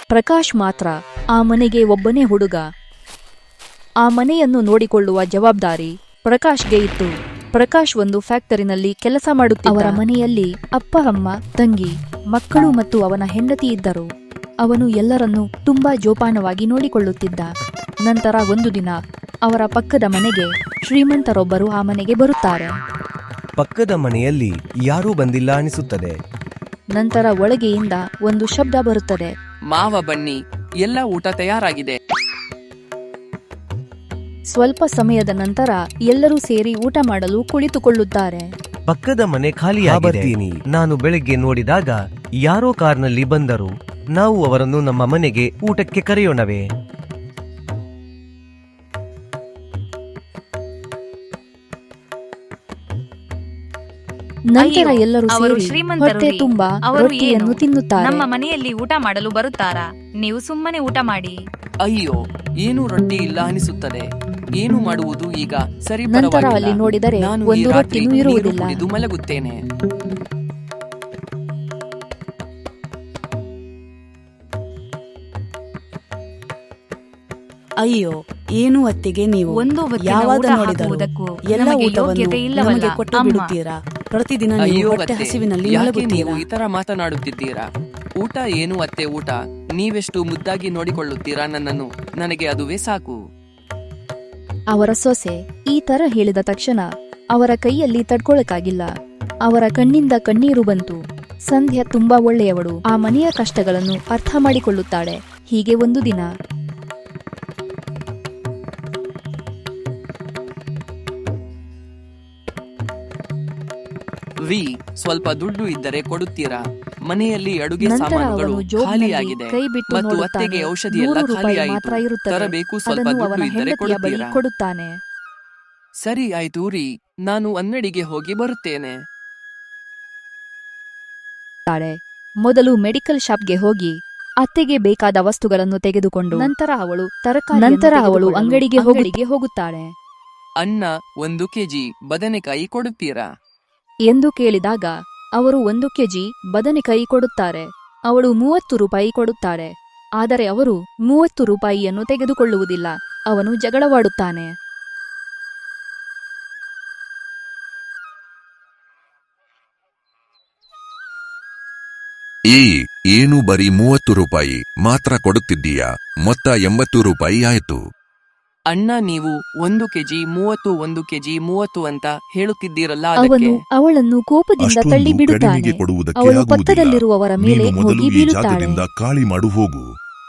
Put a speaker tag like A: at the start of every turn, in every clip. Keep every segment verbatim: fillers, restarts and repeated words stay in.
A: ಪ್ರಕಾಶ್ ಮಾತ್ರ ಆ ಮನೆಗೆ ಒಬ್ಬನೇ ಹುಡುಗ. ಆ ಮನೆಯನ್ನು ನೋಡಿಕೊಳ್ಳುವ ಜವಾಬ್ದಾರಿ ಪ್ರಕಾಶ್ಗೆ ಇತ್ತು. ಪ್ರಕಾಶ್ ಒಂದು ಫ್ಯಾಕ್ಟರಿನಲ್ಲಿ ಕೆಲಸ ಮಾಡುತ್ತಿದ್ದ. ಅವರ ಮನೆಯಲ್ಲಿ ಅಪ್ಪ, ಅಮ್ಮ, ತಂಗಿ, ಮಕ್ಕಳು ಮತ್ತು ಅವನ ಹೆಂಡತಿ ಇದ್ದರು. ಅವನು ಎಲ್ಲರನ್ನೂ ತುಂಬಾ ಜೋಪಾನವಾಗಿ ನೋಡಿಕೊಳ್ಳುತ್ತಿದ್ದ. ನಂತರ ಒಂದು ದಿನ ಅವರ ಪಕ್ಕದ ಮನೆಗೆ ಶ್ರೀಮಂತರೊಬ್ಬರು ಆ ಮನೆಗೆ ಬರುತ್ತಾರೆ.
B: ಪಕ್ಕದ ಮನೆಯಲ್ಲಿ ಯಾರೂ ಬಂದಿಲ್ಲ ಅನಿಸುತ್ತದೆ.
A: ನಂತರ ಒಳಗೆಯಿಂದ ಒಂದು ಶಬ್ದ ಬರುತ್ತದೆ.
C: ಮಾವ ಬನ್ನಿ, ಎಲ್ಲ ಊಟ ತಯಾರಾಗಿದೆ.
A: ಸ್ವಲ್ಪ ಸಮಯದ ನಂತರ ಎಲ್ಲರೂ ಸೇರಿ ಊಟ ಮಾಡಲು ಕುಳಿತುಕೊಳ್ಳುತ್ತಾರೆ.
B: ಪಕ್ಕದ ಮನೆ ಖಾಲಿಯಾಗಿದೆ. ನಾನು ಬೆಳಗ್ಗೆ ನೋಡಿದಾಗ ಯಾರೋ ಕಾರ್ನಲ್ಲಿ ಬಂದರು. ನಾವು ಅವರನ್ನು ನಮ್ಮ ಮನೆಗೆ ಊಟಕ್ಕೆ ಕರೆಯೋಣವೇ?
A: ನಂತರ ಎಲ್ಲರೂ ಸೇರಿ ಹೊಟ್ಟೆ ತುಂಬಾ ರೊಟ್ಟಿಯನ್ನು ತಿನ್ನುತ್ತಾರೆ.
D: ನಮ್ಮ ಮನೆಯಲ್ಲಿ ಊಟ ಮಾಡಲು ಬರುತ್ತಾರಾ? ನೀವು ಸುಮ್ಮನೆ ಊಟ ಮಾಡಿ.
C: ಅಯ್ಯೋ, ಏನು ರೊಟ್ಟಿ ಇಲ್ಲ ಅನಿಸುತ್ತದೆ. ಏನು ಮಾಡುವುದು ಈಗ? ಸರಿ,
A: ನಂತರ ಅಲ್ಲಿ ನೋಡಿದರೆ
C: ನಾನು
A: ಒಂದು ರೊಟ್ಟಿನೂ ಇರುವುದಿಲ್ಲ.
C: ಕುಡಿದು ಮಲಗುತ್ತೇನೆ.
E: ಅಯ್ಯೋ, ಏನು ಅತ್ತಿಗೆ ನೀವು
D: ಒಂದು
E: ಯಾವಾಗ ನೋಡಿದರೂ ಎಲ್ಲ ಊಟವನ್ನು ನಮಗೆ ಕೊಟ್ಟು ಬಿಡುತ್ತೀರಾ? ಪ್ರತಿದಿನ ನೀವು ಹೊಟ್ಟೆ ಹಸಿವಿನಲ್ಲಿ ಮಲಗುತ್ತೀರಾ?
C: ಈ ತರ ಮಾತನಾಡುತ್ತಿದ್ದೀರಾ? ಊಟ ಏನು ಅತ್ತೆ, ಊಟ ನೀವೆಷ್ಟು ಮುದ್ದಾಗಿ ನೋಡಿಕೊಳ್ಳುತ್ತೀರಾ ನನ್ನನ್ನು. ನನಗೆ ಅದುವೇ ಸಾಕು.
A: ಅವರ ಸೊಸೆ ಈ ತರ ಹೇಳಿದ ತಕ್ಷಣ ಅವರ ಕೈಯಲ್ಲಿ ತಡ್ಕೊಳಕ್ಕಾಗಿಲ್ಲ. ಅವರ ಕಣ್ಣಿಂದ ಕಣ್ಣೀರು ಬಂತು. ಸಂಧ್ಯಾ ತುಂಬಾ ಒಳ್ಳೆಯವಳು. ಆ ಮನೆಯ ಕಷ್ಟಗಳನ್ನು ಅರ್ಥ ಮಾಡಿಕೊಳ್ಳುತ್ತಾಳೆ. ಹೀಗೆ ಒಂದು ದಿನ
C: ವಿ ಸ್ವಲ್ಪ ದುಡ್ಡು ಇದ್ದರೆ ಕೊಡುತ್ತೀರಾ? ಮನೆಯಲ್ಲಿ ಅಡುಗೆ
A: ನಂತರ
C: ಸಾಮಾನುಗಳು
A: ಅವನು ಜೋಬ್ನಲ್ಲಿ
C: ಖಾಲಿಯಾಗಿದೆ
A: ಕೈ ಬಿಟ್ಟು
C: ಮತ್ತು
A: ನೋಡುತ್ತಾನೆ.
C: ಅತ್ತೆಗೆ ಔಷಧಿ ಎಲ್ಲ
A: ನೂರು ರೂಪಾಯಿ
C: ಖಾಲಿಯಾಯಿತು.
A: ಮಾತ್ರ ಇರುತ್ತದೆ.
C: ತರಬೇಕು, ಸ್ವಲ್ಪ
A: ಅದನ್ನು
C: ದುಡ್ಡು
A: ಅವನ
C: ಇದ್ದರೆ
A: ಹೆಂಡತಿಯ ಬಳಿ
C: ಕೊಡುತ್ತೀರಾ?
A: ಕೊಡುತ್ತಾನೆ.
C: ಸರಿ ಆಯ್ತು ರೀ, ನಾನು ಅಂಗಡಿಗೆ ಹೋಗಿ ಬರುತ್ತೇನೆ.
A: ಮೊದಲು ಮೆಡಿಕಲ್ ಶಾಪ್ಗೆ ಹೋಗಿ ಅತ್ತೆಗೆ ಬೇಕಾದ ವಸ್ತುಗಳನ್ನು ತೆಗೆದುಕೊಂಡು ನಂತರ ಅವಳು ತರಕಾರಿ ನಂತರ ಅವಳು ಅಂಗಡಿಗೆ ಹೋಗಲಿಗೆ ಹೋಗುತ್ತಾಳೆ.
C: ಅಣ್ಣ, ಒಂದು ಕೆಜಿ ಬದನೆಕಾಯಿ ಕೊಡುತ್ತೀರಾ
A: ಎಂದು ಕೇಳಿದಾಗ ಅವರು ಒಂದು ಕೆಜಿ ಬದನೆಕಾಯಿ ಕೊಡುತ್ತಾರೆ. ಅವಳು ಮೂವತ್ತು ರೂಪಾಯಿ ಕೊಡುತ್ತಾಳೆ. ಆದರೆ ಅವರು ಮೂವತ್ತು ರೂಪಾಯಿಯನ್ನು ತೆಗೆದುಕೊಳ್ಳುವುದಿಲ್ಲ. ಅವನು ಜಗಳವಾಡುತ್ತಾನೆ.
F: ಏ ಏನು ಬರೀ ಮೂವತ್ತು ರೂಪಾಯಿ ಮಾತ್ರ ಕೊಡುತ್ತಿದ್ದೀಯಾ? ಮೊತ್ತ ಎಂಬತ್ತು ರೂಪಾಯಿ ಆಯ್ತು.
C: ಅಣ್ಣ, ನೀವು ಒಂದು ಕೆಜಿ ಮೂವತ್ತು ಒಂದು ಕೆಜಿ ಮೂವತ್ತು ಅಂತ ಹೇಳುತ್ತಿದ್ದೀರಲ್ಲ,
A: ಅವನು ಅವಳನ್ನು ಕೋಪದಿಂದ ತಳ್ಳಿ ಬಿಡುತ್ತಾನೆ. ಅವಳು ಪಕ್ಕದಲ್ಲಿರುವವರ ಮೇಲೆ ಹೋಗಿ ಬೀಳುತ್ತಾಳೆ.
F: ಖಾಲಿ ಮಾಡು, ಹೋಗು.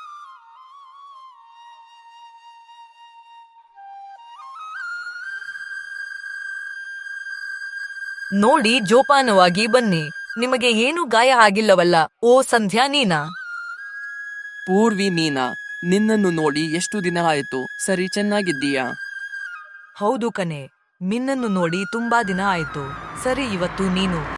G: ನೋಡಿ, ಜೋಪಾನವಾಗಿ ಬನ್ನಿ. ನಿಮಗೆ ಏನು ಗಾಯ ಆಗಿಲ್ಲವಲ್ಲ? ಓ ಸಂಧ್ಯಾ, ನೀನಾ?
C: ಪೂರ್ವಿ, ನೀನಾ? ನಿನ್ನನ್ನು ನೋಡಿ ಎಷ್ಟು ದಿನ ಆಯ್ತು. ಸರಿ, ಚೆನ್ನಾಗಿದ್ದೀಯಾ?
G: ಹೌದು ಕಣೆ, ನಿನ್ನನ್ನು ನೋಡಿ ತುಂಬಾ ದಿನ ಆಯ್ತು. ಸರಿ, ಇವತ್ತು ನೀನು